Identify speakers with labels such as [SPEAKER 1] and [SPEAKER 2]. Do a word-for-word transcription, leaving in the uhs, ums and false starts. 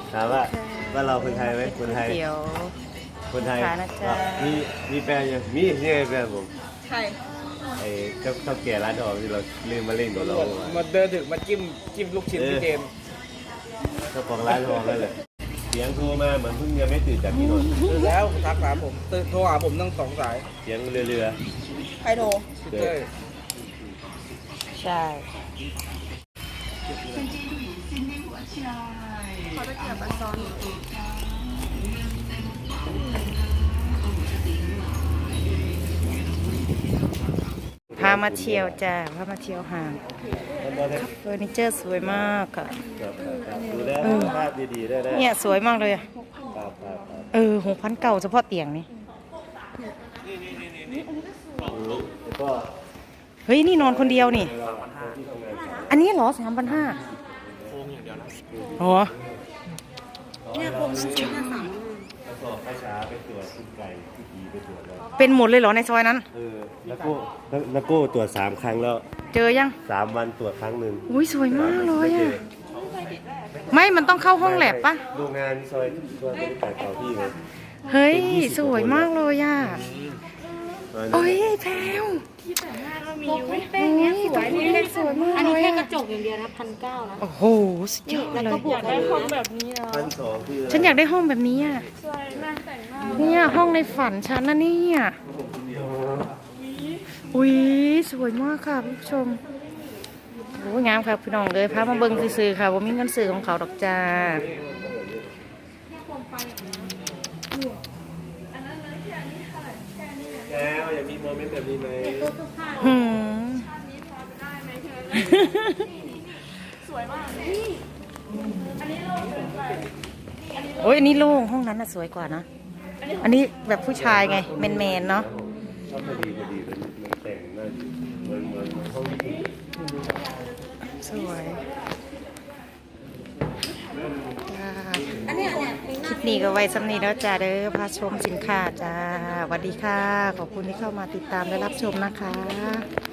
[SPEAKER 1] ถามว่าว่าเราคนไทยไหมคนไทย
[SPEAKER 2] เดี๋ยว
[SPEAKER 1] คนไทย
[SPEAKER 2] ค่ะนะจ๊ะ
[SPEAKER 1] มีมีแฟนยังมีนี่ไงแฟนผม
[SPEAKER 3] ใคร
[SPEAKER 1] ไอ้เจ้าเจ้าแก่ร้านทองที่เราเล่นมาเล่นกับเรา
[SPEAKER 4] มาเดินถึงมาจิ้มจิ้มลูกชิ้นพี่เจมส์
[SPEAKER 1] เจ้าของร้านทองนั่นแหละเสียงโทรมาเหมือนเพิ่งยังไม่ตื่นจากที่นอน
[SPEAKER 4] ตื่นแล้วทักหาผมตื่นโทรหาผมตั้งสองสาย
[SPEAKER 1] เสียงเรือเรือ
[SPEAKER 3] ใครโทร
[SPEAKER 4] พี่เต้ย
[SPEAKER 2] ใช่
[SPEAKER 3] เขาจะเกี่ยวกับซอน
[SPEAKER 2] พามาเที่ยวจ้าพามาเที่ยวห้างเฟอร์นิเจอร์สวยมากค่ะ
[SPEAKER 1] ดูแลภาพดีๆได้ได้
[SPEAKER 2] เนี่ยสวยมากเลยอะ
[SPEAKER 1] ครับครับครับ
[SPEAKER 2] เออหกพันเก่าเฉพาะเตียงนี่
[SPEAKER 1] แล้วก็
[SPEAKER 2] เฮ้ยนี่นอนคนเดียวนี่
[SPEAKER 1] ที่ทำงาน
[SPEAKER 2] อันนี้เหรอสามพันห้าโค้งอย่างเดียวนะอ๋อ
[SPEAKER 3] เนี่ยผมนั่งกินมาสาม
[SPEAKER 1] แล้วก็ไปช้าไปตรวจคุณไก่ที่ดีไปตรวจแล้ว
[SPEAKER 2] เป็นหมดเลยเหรอในซอยนั้น
[SPEAKER 1] เออแล้วก็แล้วก็ตรวจสามครั้งแล้ว
[SPEAKER 2] เจอยัง
[SPEAKER 1] สามวันตรวจครั้งหนึ่ง
[SPEAKER 2] อุ้ยสวยมากเลยอะไม่มันต้องเข้าห้องแลบปะ
[SPEAKER 1] โรงงานซอยซอยบริการเก่าที่ไง
[SPEAKER 2] เฮ้ยสวยมากเลยอะโอ้ยแพรว
[SPEAKER 5] มีแป้งเนี้ยสวย
[SPEAKER 2] นี่เล็กสวยมาก
[SPEAKER 5] อัน
[SPEAKER 2] เล
[SPEAKER 5] นี้
[SPEAKER 2] ย
[SPEAKER 5] แค่
[SPEAKER 2] อะ
[SPEAKER 5] กระจกอย่างเดียวนะพันเก้านะ
[SPEAKER 2] โอ้โหสุดยอด
[SPEAKER 5] แล้ว
[SPEAKER 2] เลย
[SPEAKER 5] ก็บวกกันเลยนะ
[SPEAKER 1] พันสองคืออะไร
[SPEAKER 2] ฉันอยากได้ห้องแบบนี้อ่ะเนี่ยห้องในฝันฉันนะเนี่ยอุ้ยสวยมากค่ะผู้ชมโอ้ยงามค่ะพี่น้องเลยพามาเบิ้งซื้อๆค่ะว่ามีเงินซื้อของเขาดอกจ้า
[SPEAKER 1] แล้วอยากมีโมเมนต์แบบนี้ไหม
[SPEAKER 2] หืมโอ้ยอันนี้โล่งห้องนั้นน่ะสวยกว่านะอันนี้แบบผู้ชายไงแมนๆเนาะ
[SPEAKER 1] ชอบพอดีพอดีมันมันแต่งน่าดีเหมือนเหมือนเหมือนห้องญี่ปุ่น
[SPEAKER 2] สวยจ้า
[SPEAKER 3] อันเนี้ยเนี่ยมีห
[SPEAKER 2] ค
[SPEAKER 3] น้า
[SPEAKER 2] ลิปนี้ก็ไว้สำนีแล้วจ้าเด้อพาชมสินค้าจ้าสวัสดีค่ะ ขอบคุณที่เข้ามาติดตามและรับชมนะคะ